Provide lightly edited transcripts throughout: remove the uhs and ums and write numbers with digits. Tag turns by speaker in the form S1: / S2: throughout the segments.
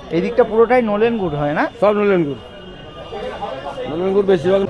S1: এই দিকটা পুরোটাই নলেন গুড় হয় না?
S2: সব নলেন গুড়, নলেন গুড় বেশিরভাগ।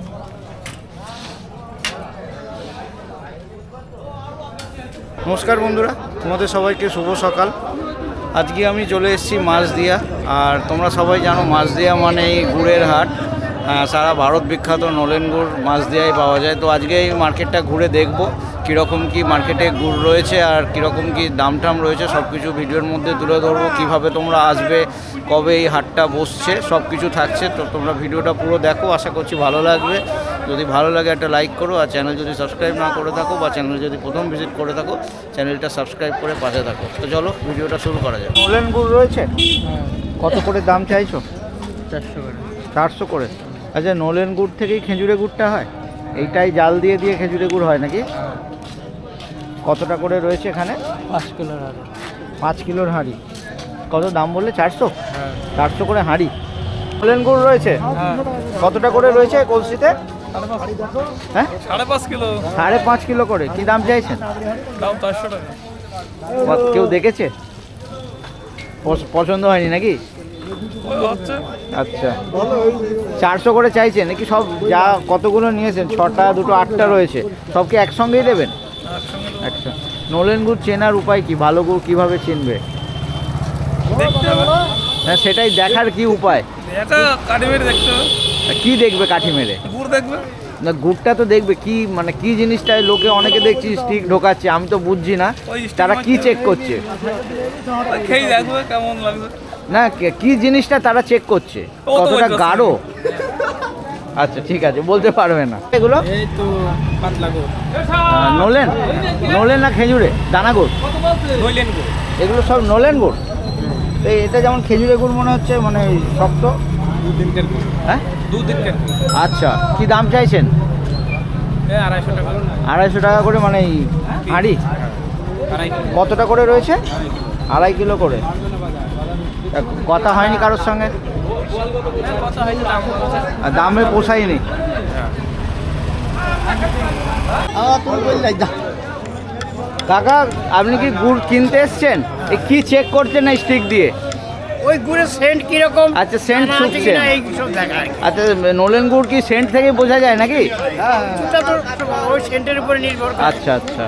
S1: নমস্কার বন্ধুরা, তোমাদের সবাইকে শুভ সকাল। আজকে আমি চলে এসেছি মাছদিয়া। আর তোমরা সবাই জানো মাছদিয়া মানে এই গুড়ের হাট। সারা ভারত বিখ্যাত নলেন গুড় মাছদিয়ায় পাওয়া যায়। তো আজকে এই মার্কেটটা ঘুরে দেখব কীরকম কি মার্কেটে গুড় রয়েছে আর কীরকম কি দাম টাম রয়েছে, সব কিছু ভিডিওর মধ্যে তুলে ধরবো। কীভাবে তোমরা আসবে, কবে এই হাটটা বসছে, সব কিছু থাকছে। তো তোমরা ভিডিওটা পুরো দেখো, আশা করছি ভালো লাগবে। যদি ভালো লাগে একটা লাইক করো, আর চ্যানেল যদি সাবস্ক্রাইব না করে থাকো বা চ্যানেল যদি প্রথম ভিজিট করে থাকো, চ্যানেলটা সাবস্ক্রাইব করে পাশে থাকো। তো চলো ভিডিওটা শুরু করা যায়। নলেন গুড় রয়েছে, কত করে দাম চাইছো?
S2: 400 করে।
S1: 400 করে। আচ্ছা, নলেন গুড় থেকেই খেজুরে গুড়টা হয়? এইটাই জাল দিয়ে দিয়ে খেজুরে গুড় হয় নাকি? কতটা করে রয়েছে এখানে?
S2: 5 কিলোর হাড়ি।
S1: 5 কিলোর হাঁড়ি। কত দাম বললে? 400?
S2: হ্যাঁ।
S1: 400 করে হাঁড়ি। নলেন গুড় রয়েছে কতটা করে রয়েছে কলসিতে? হ্যাঁ,
S2: 5.5 কিলো।
S1: 5.5 কিলো করে। কি দাম চাইছেন?
S2: দাম 400 টাকা।
S1: কেউ দেখেছে? পছন্দ হয়নি নাকি? আচ্ছা, 400 করে চাইছেন নাকি? সব যা কতগুলো নিয়েছেন, 6টা, 2টো, 8টা রয়েছে, সবকে একসঙ্গেই দেবেন? আচ্ছা, নলেন গুড় চেনার উপায় কি? ভালো গুড় কিভাবে চিনবে? না, সেটাই দেখার কি উপায়? কি দেখবে কাঠি মেরে?
S2: গুড় দেখবে
S1: না, গুড়টা তো দেখবে। কি মানে কি জিনিসটাই লোকে অনেকে দেখছি স্টিক ঢোকাচ্ছে, আমি তো বুঝছি না তারা কি চেক করছে।
S2: খেয়ে দেখবে কেমন লাগবে।
S1: না, কি জিনিসটা তারা চেক করছে, কতটা গাঢ়? আচ্ছা ঠিক আছে, বলতে পারবে না। এগুলো
S2: এই তো পাতলা গুড়।
S1: নলেন নলেন না খেজুরে দানা গুড়?
S2: নলেন গুড়।
S1: এগুলো সব নলেন গুড়। তো এটা যেমন খেজুরে গুড় মনে হচ্ছে, মানে শক্ত।
S2: 2 দিনকার গুড়।
S1: হ্যাঁ,
S2: 2 দিনকার গুড়।
S1: আচ্ছা, কি দাম চাইছেন?
S2: 250 টাকা।
S1: 250 টাকা করে, মানে এই হাঁড়ি?
S2: 2.5 কিলো।
S1: কতটা করে রয়েছে? 2.5 কিলো করে। কথা হয়নি কারোর সঙ্গে? আর দামে পোষায়নি? কাকা, আপনি কি গুড় কিনতে এসছেন? কি চেক করছেন এই স্টিক দিয়ে?
S3: ওই গুড়ের সেন্ট কিরকম?
S1: আচ্ছা, সেন্ট ছুঁকছেন।
S3: এইসব দেখায়।
S1: আচ্ছা, নলেন গুড় কি সেন্ট থেকে বোঝা যায় নাকি?
S3: ওটা তো ওই সেন্টের উপরে নির্ভর করে।
S1: আচ্ছা আচ্ছা।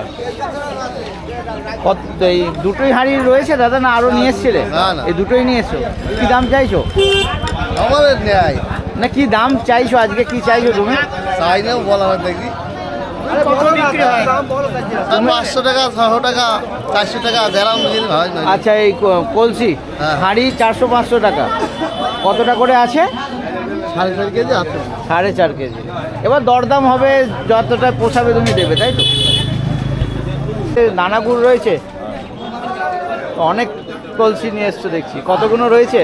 S1: কত এই দুটোই হাঁড়ি রয়েছে দাদা, না আরো নিয়ে এসছিলে? এই দুটোই নিয়ে এসছো। কি দাম চাইছো?
S4: আমাদের নেয়
S1: না, কি দাম চাইছো আজকে? কি চাইছো তুমি?
S4: চাই না বলা হয় দেখি।
S3: কত বিক্রি হয়?
S4: 500 টাকা, 600 টাকা, 400 টাকা দেড়াম দিন হয় না।
S1: আচ্ছা, এই কলসি
S4: হ্যাঁ।
S1: হাঁড়ি 400-500 টাকা। কতটা করে আছে?
S4: 4.5 কেজি আছে।
S1: 4.5 কেজি। এবার দরদাম হবে, যতটা পোষাবে তুমি দেবে, তাই তো? দানা গুড় রয়েছে অনেক। কলসি নিয়ে এসছো দেখছি, কতগুলো রয়েছে?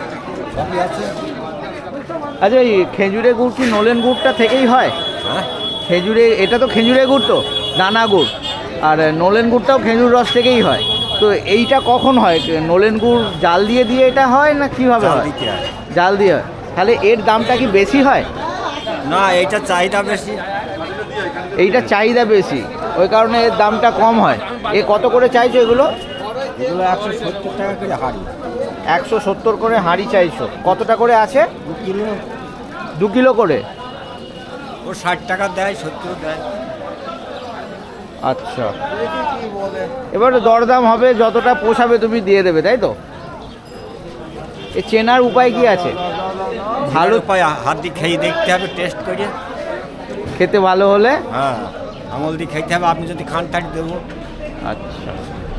S1: আচ্ছা, এই খেজুরে গুড় কি নলেন গুড়টা থেকেই হয়? খেজুরে, এটা তো খেজুরে গুড়, তো দানা গুড়। আর নলেন গুড়টাও খেজুর রস থেকেই হয়। তো এইটা কখন হয়? নলেন গুড় জাল দিয়ে দিয়ে এটা হয় না কিভাবে হয়? জাল দিয়ে হয়। তাহলে এর দামটা কি বেশি হয়?
S4: না, এইটা চাহিদা বেশি।
S1: এইটা চাহিদা বেশি, ওই কারণে এর দামটা কম হয়। এ কত করে চাইছো এগুলো?
S4: এগুলো 170 টাকা করে হাড়ি।
S1: 170 করে হাঁড়ি চাইছো। কতটা করে আছে?
S4: 2 কিলো।
S1: 2 কিলো করে।
S4: ও 60 টাকা দেয়, 70 দেয়।
S1: আচ্ছা, এবারে দরদাম হবে, যতটা পোষাবে তুমি দিয়ে দেবে, তাই তো? এ চেনার উপায় কি আছে?
S4: ভালো পায়, হাত দিয়ে খেয়ে দেখতে হবে, টেস্ট করে।
S1: খেতে ভালো হলে?
S4: হ্যাঁ, আমল দিয়ে খেতে হবে। আপনি যদি খান তাহলে দেবো।
S1: আচ্ছা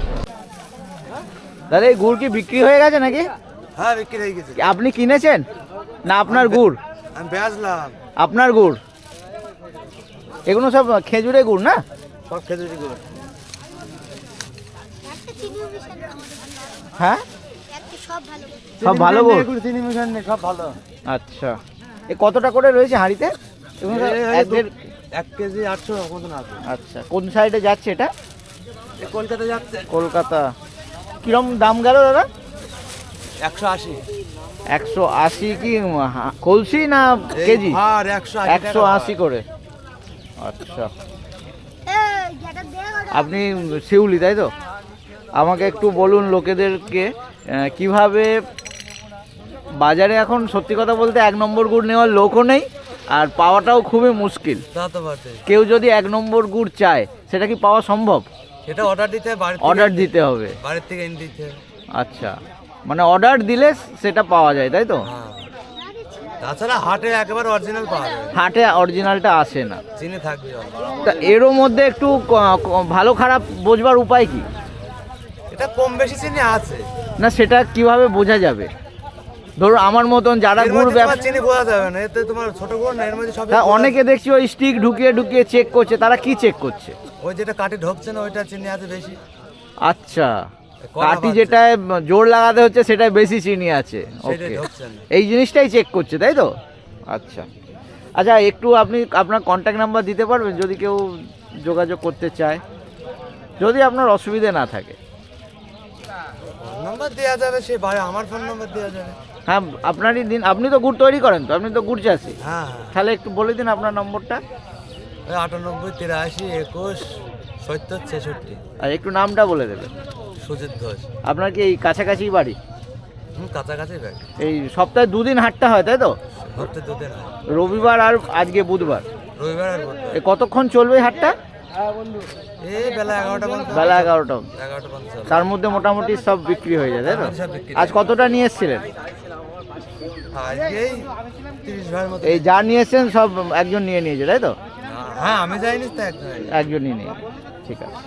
S1: দাদা, এই গুড় কি বিক্রি হয়ে গেছে নাকি?
S4: হ্যাঁ, বিক্রি হয়ে গেছে।
S1: আপনি কিনেছেন না আপনার গুড়?
S4: আমি বেচলাম।
S1: আপনার গুড়? এগুলো সব খেজুরে গুড় না?
S4: সব খেজুরি গুড়।
S1: হ্যাঁ, সব ভালো গুড়।
S4: চিনি মিশান নেই, সব ভালো।
S1: আচ্ছা, এ কতটা করে রয়েছে হাঁড়িতে? এগুলো সব
S4: 1 কেজি 800 মতন আছে।
S1: আচ্ছা, কোন সাইডে যাচ্ছে এটা?
S4: কলকাতা যাচ্ছে।
S1: কলকাতা। কিরম দাম গেল দাদা?
S4: 180।
S1: 180 কি কলসি না কেজি?
S4: আর 180
S1: 180 করে। আচ্ছা, আপনি শিউলি, তাই তো? আমাকে একটু বলুন লোকেদেরকে কিভাবে বাজারে এখন সত্যি কথা বলতে 1 নম্বর গুড় নেওয়ার লোকও নেই, আর পাওয়াটাও খুবই মুশকিল।
S5: তা তো বটে।
S1: কেউ যদি 1 নম্বর গুড় চায় সেটা কি পাওয়া সম্ভব?
S5: সেটা অর্ডার দিতে হবে,
S1: অর্ডার দিতে হবে।
S5: বাড়ির থেকে এনে দিতে হবে।
S1: আচ্ছা, মানে অর্ডার দিলে সেটা পাওয়া যায় তাই তো?
S5: হ্যাঁ, তাছাড়া হাটে একেবারে অরিজিনাল পাওয়া যাবে,
S1: হাটে অরিজিনালটা আসে না।
S5: চিনি থাকবে জল।
S1: তা এরও মধ্যে একটু ভালো খারাপ বোঝবার উপায় কি?
S5: এটা কম বেশি চিনি আছে।
S1: না সেটা কিভাবে বোঝা যাবে? ধরুন আমার মতন যারা
S5: এর
S1: গুড়
S5: মধ্যে
S1: ব্যবসা,
S5: তোমার চিনি বোঝা যাবে না, এতে তোমার ছোট গুড় না, এর মধ্যে সব
S1: হ্যাঁ অনেকে দেখছি ওই স্টিক ঢুকিয়ে ঢুকিয়ে চেক করছে, তারা কি চেক করছে?
S5: ওই যেটা কাটে ঢোকছে না ওইটা চিনি আছে বেশি।
S1: আচ্ছা,
S5: কড়া
S1: কাঠি
S5: বাড়ছে।
S1: যেটায় জোর লাগাতে হচ্ছে সেটাই বেশি চিনি আছে।
S5: সেটাই
S1: ওকে,
S5: ঢোকছে না।
S1: এই জিনিসটাই চেক করছে তাই তো? আচ্ছা আচ্ছা, একটু আপনি আপনার কন্ট্যাক্ট নাম্বার দিতে পারবেন যদি কেউ যোগাযোগ করতে চায়, যদি আপনার অসুবিধে না থাকে?
S5: ফোন নাম্বার দেওয়া যাবে, সে বাড়ি আমার ফোন নাম্বার দেওয়া যাবে।
S1: হ্যাঁ আপনারই দিন, আপনি তো গুড় তৈরি করেন তো, আপনি তো গুড় চাষি,
S5: হ্যাঁ হ্যাঁ,
S1: তাহলে একটু বলে দিন আপনার নম্বরটা।
S5: ওই 98 83 21 70 66।
S1: আর একটু নামটা বলে দেবেন।
S5: সুজিত ঘোষ।
S1: আপনার কি এই কাছাকাছি বাড়ি?
S5: কাছাকাছি ব্যাগ।
S1: এই সপ্তাহে 2 দিন হাটটা হয় তাই তো?
S5: হতে দুদিন হয়,
S1: রবিবার আর আজকে বুধবার।
S5: রবিবার আর বুধবার।
S1: এ কতক্ষণ চলবে এই হাটটা?
S5: এই বেলা 11টা পর্যন্ত।
S1: বেলা 11টা।
S5: 11টা পর্যন্ত।
S1: তার মধ্যে মোটামুটি সব বিক্রি হয়ে যায় তাই তো?
S5: সব বিক্রি।
S1: আজ কতটা নিয়ে এসেছিলেন?
S5: আজকে এই 30 ভাইয়ের মতো।
S1: এই যা নিয়ে এসেছেন সব একজন নিয়ে নিয়েছে তাই তো?
S5: হ্যাঁ, আমি যাইনি তো একজন।
S1: একজনই নিয়ে, ঠিক আছে।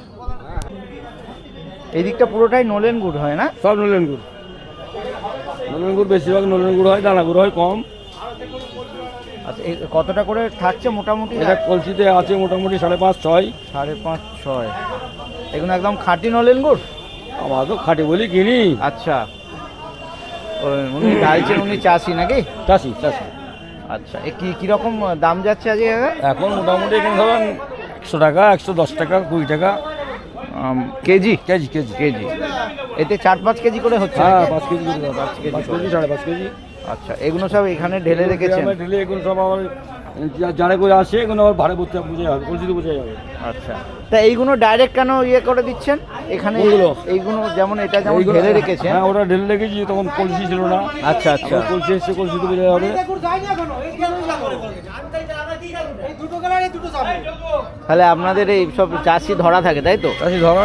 S1: এই দিকটা পুরোটাই নলেন গুড় হয় না?
S2: সব নলেন গুড়। নলেন গুড় বেশিরভাগ নলেন গুড় হয়, দানা গুড় হয় কম।
S1: আচ্ছা এই কতটা করে থাকছে মোটামুটি?
S2: এটা কলসিতে আছে মোটামুটি 5.5 6।
S1: 5.5 6। এগুলো একদম খাঁটি নলেন গুড়?
S2: আমার তো খাটি বলি কিনি।
S1: আচ্ছা, উনি ডালছেন, উনি চাষি নাকি?
S2: চাষি চাষি।
S1: আচ্ছা, এ কিরকম দাম যাচ্ছে আজকে?
S2: এখন মোটামুটি এখানে ধরেন 100 টাকা, 110 টাকা, 20 টাকা
S1: কেজি?
S2: KG KG.
S1: কেজি এতে 4-5 কেজি করে হচ্ছে
S2: হ্যাঁ,
S1: নাকি?
S2: 5 কেজি করে, 5 কেজি 5.5 কেজি।
S1: আচ্ছা, এগুলো সব এখানে ঢেলে রেখেছেন?
S2: ঢেলে এগুলো সব আবার জানে করে আসে, এগুলো আবার ভাড়ে বুঝতে বুঝে যাবে, কলসিতে বুঝে যাবে।
S1: আচ্ছা, তা এইগুলো ডাইরেক্ট কেন ইয়ে করে দিচ্ছেন এখানে?
S2: কোনগুলো?
S1: এইগুলো যেমন এটা যেমন
S2: এইগুলো-
S1: ঢেলে রেখেছেন।
S2: হ্যাঁ, ওটা ঢেলে রেখেছি, তখন কলসি ছিল না।
S1: আচ্ছা আচ্ছা,
S2: আবার কলসি এসছে, কলসিতে বুঝে যাবে।
S1: তাহলে আপনাদের এই সব চাষি ধরা থাকে তাই তো?
S2: চাষি ধরা।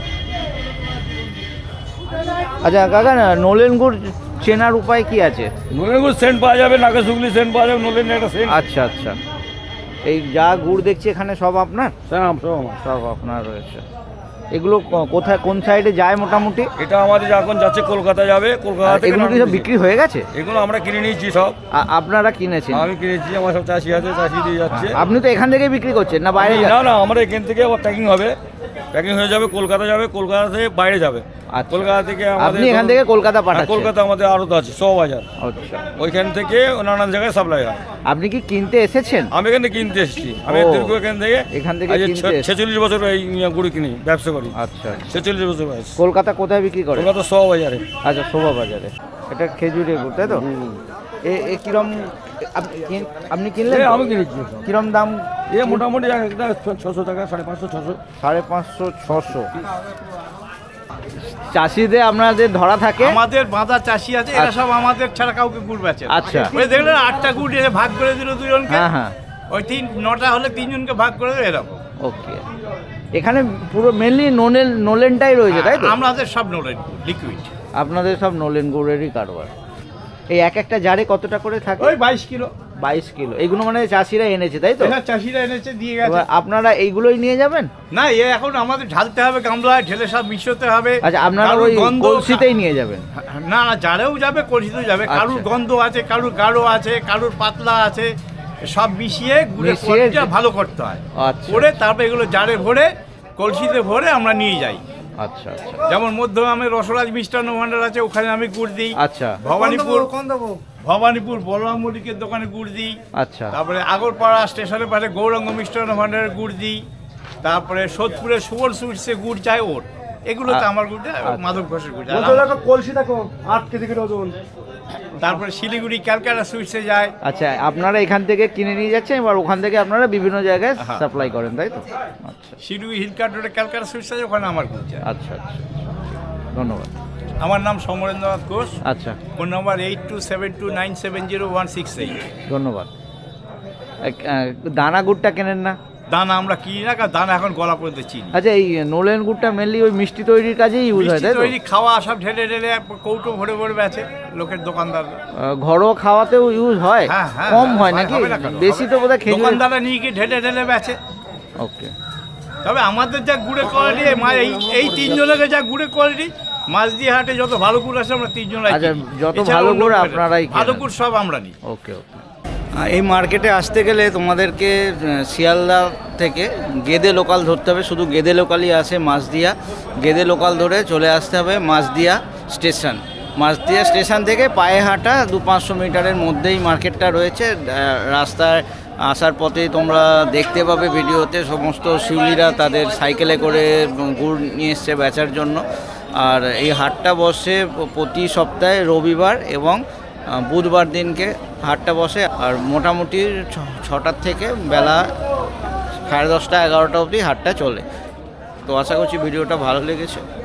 S1: আচ্ছা কাকা, না নলেন গুড় চেনার উপায় কি আছে?
S2: নলেন গুড় সেন্ট পাওয়া যাবে, নাকে শুকলি সেন্ট পাওয়া যাবে, নলেন একটা সেন্ট।
S1: আচ্ছা আচ্ছা, এই যা গুড় দেখছি এখানে সব আপনার?
S2: সব আমার।
S1: সব আপনার রয়েছে। এগুলো কোথায়, কোন সাইডে যায় মোটামুটি?
S2: এটা আমাদের এখন যাচ্ছে কলকাতা যাবে, কলকাতা
S1: আর
S2: থেকে
S1: এগুলো কি সব
S2: নামিয়ে
S1: বিক্রি হয়ে গেছে?
S2: এগুলো আমরা কিনে নিয়েছি সব।
S1: আপনারা কিনেছেন?
S2: আমি কিনেছি, আমার সব চাষি আছে, চাষি দিয়ে যাচ্ছে।
S1: আপনি তো এখান থেকে বিক্রি করছেন না বাইরে?
S2: না না, আমরা এখান থেকে আবার প্যাকিং হবে, প্যাকিং হয়ে যাবে, কলকাতা যাবে, কলকাতা থেকে বাইরে যাবে।
S1: আচ্ছা।
S2: কলকাতা থেকে আমাদের
S1: আপনি এখান থেকে কলকাতা
S2: হ্যাঁ,
S1: পাঠাচ্ছেন?
S2: কলকাতা আমাদের আড়ত আছে, 100 বাজার।
S1: আচ্ছা,
S2: ওইখান থেকে নানান জায়গায় সাপ্লাই হয়।
S1: আপনি কি কিনতে এসেছেন?
S2: আমি এখান থেকে কিনতে এসেছি, আমি
S1: ও,
S2: দীর্ঘ
S1: এখান থেকে
S2: আজ
S1: কিনতে এসেছেন।
S2: 46 বছর এই গুড়ি কিনি, ব্যবসা করি।
S1: আচ্ছা,
S2: 46 বছর বয়স।
S1: কলকাতা কোথায় বিক্রি করে?
S2: কলকাতা 100 বাজারে।
S1: আচ্ছা, শোভা বাজারে। এটা খেজুরের গুড় তাই তো? এ কিরম আপনি কিনলেন?
S2: এ
S1: তো?
S2: আমি কিনেছি।
S1: কিরম দাম?
S2: এ মোটামুটি একটা 600 টাকা, 550 600।
S1: 550 600। চাষিদের আপনাদের ধরা থাকে?
S3: আমাদের বাঁধা চাষি আছে, এরা সব আমাদের ছাড়া কাউকে গুড় বেচে না।
S1: আচ্ছা।
S3: ওই দেখলেন 8টা গুড় এসে ভাগ করে দিল দুজনকে।
S1: হ্যাঁ হ্যাঁ,
S3: ওই 9টা হলে 3জনকে ভাগ করে দিল, এরকম।
S1: ওকে। এখানে পুরো মেনলি নলেনটাই রয়েছে তাই তো?
S3: আমাদের সব নলেন লিকুইড।
S1: আপনাদের সব নলেন গুড়েরই কারবার। এই একটা জারে কতটা করে থাকে?
S3: ওই 22 কিলো।
S1: 22 কিলো। এগুলো মানে চাষিরা এনেছে তাই তো?
S3: এরা চাষিরা এনেছে, দিয়ে গেছে।
S1: এবার আপনারা এইগুলোই নিয়ে যাবেন?
S3: না, এখন আমাদের ঢালতে হবে গামলায়, ঢেলে সব মিশতে হবে।
S1: আচ্ছা, আপনারা
S3: কারুর
S1: ওই
S3: গন্ধ-
S1: কলসিতেই নিয়ে যাবেন?
S3: না না, জারেও যাবে, কলসিতেও যাবে।
S1: আচ্ছা।
S3: কারুর গন্ধ আছে, কারুর গাঢ় আছে, কারুর পাতলা আছে, সব মিশিয়ে গুড়ের
S1: মিশিয়ে-
S3: কোয়ালিটিটা ভালো করতে হয়।
S1: আচ্ছা।
S3: করে তারপরে এগুলো জারে ভরে, কলসিতে ভরে আমরা নিয়ে যাই।
S1: আচ্ছা আচ্ছা
S3: যেমন মধ্যগ্রামে রসরাজ মিষ্টান্ন ভান্ডার আছে, ওখানে আমি গুড় দিই।
S1: আচ্ছা
S3: ভবানীপুর বলরাম মল্লিকের দোকানে গুড় দিই।
S1: আচ্ছা
S3: তারপরে আগরপাড়া স্টেশনের পাশে গৌরাঙ্গ মিষ্টান্ন ভান্ডারের গুড় দিই। তারপরে সোদপুরের সুবল সুইটসে গুড় চাই ওর। এগুলো তো আমার গুড়, মাধব ঘোষের গুড়। আর
S2: কলসি দেখো 8 কেজি করে ওজন।
S3: তারপরে শিলিগুড়ি ক্যালকাটা সুইটসে যায়।
S1: আচ্ছা, আপনারা এখান থেকে কিনে নিয়ে যাচ্ছেন, এবার ওখান থেকে আপনারা বিভিন্ন জায়গায়
S3: হ্যাঁ।
S1: সাপ্লাই করেন তাই তো? আচ্ছা
S3: শিলিগুড়ি হিলকাট রোডে ক্যালকাটা সুইটস আছে, ওখানে আমার গুড় যায়।
S1: আচ্ছা আচ্ছা, ধন্যবাদ।
S3: আমার নাম সমরেন্দ্রনাথ ঘোষ,
S1: আচ্ছা,
S3: ফোন নম্বর 8272970168।
S1: ধন্যবাদ। দানা গুড়টা কেনেন না?
S3: দানা আমরা কিনি না, কারণ দানা এখন গলা পর্যন্ত চিনি।
S1: আচ্ছা, এই নোলেন গুড়টা মেনলি ওই মিষ্টি তৈরির কাজেই ইউজ হয়,
S3: মিষ্টি
S1: তাই তো?
S3: তৈরি খাওয়া সব ঢেলে ঢেলে কৌটো ভরে ভরে বেচে লোকের দোকানদার।
S1: ঘরোয়া খাওয়াতেও ইউজ হয়?
S3: হ্যাঁ হ্যাঁ,
S1: কম হয় নাকি?
S3: হবে না কেন?
S1: বেশি তো বোধহয় খেজুর।
S3: দোকানদাররা নিয়ে গিয়ে ঢেলে ঢেলে বেচে।
S1: ওকে।
S3: তবে আমাদের যা গুড়ের কোয়ালিটি, এই তিনজনের যা গুড়ের কোয়ালিটি, মাঝদিয়া হাটে যত ভালো গুড় আছে আমরা তিনজনই
S1: আচ্ছা,
S3: কিনি।
S1: যত
S3: এছাড়া
S1: ভালো
S3: অন্য
S1: গুড়
S3: কেউ না।
S1: আপনারাই
S3: ভালো
S1: কেনেন।
S3: গুড় সব আমরা নিই।
S1: ওকে ওকে। এই মার্কেটে আসতে গেলে তোমাদেরকে শিয়ালদা থেকে গেদে লোকাল ধরতে হবে। শুধু গেদে লোকালই আসে মাঝদিয়া। গেদে লোকাল ধরে চলে আসতে হবে মাঝদিয়া স্টেশন। মাঝদিয়া স্টেশন থেকে পায়ে হাঁটা 200-500 মিটারের মধ্যেই মার্কেটটা রয়েছে। রাস্তায় আসার পথেই তোমরা দেখতে পাবে ভিডিওতে সমস্ত শিউলিরা তাদের সাইকেলে করে গুড় নিয়ে এসছে বেচার জন্য। আর এই হাটটা বসে প্রতি সপ্তাহে রবিবার এবং বুধবার দিনকে হাটটা বসে। আর মোটামুটি 6টার থেকে বেলা 10:30-11টা অবধি হাটটা চলে। তো আশা করছি ভিডিওটা ভালো লেগেছে।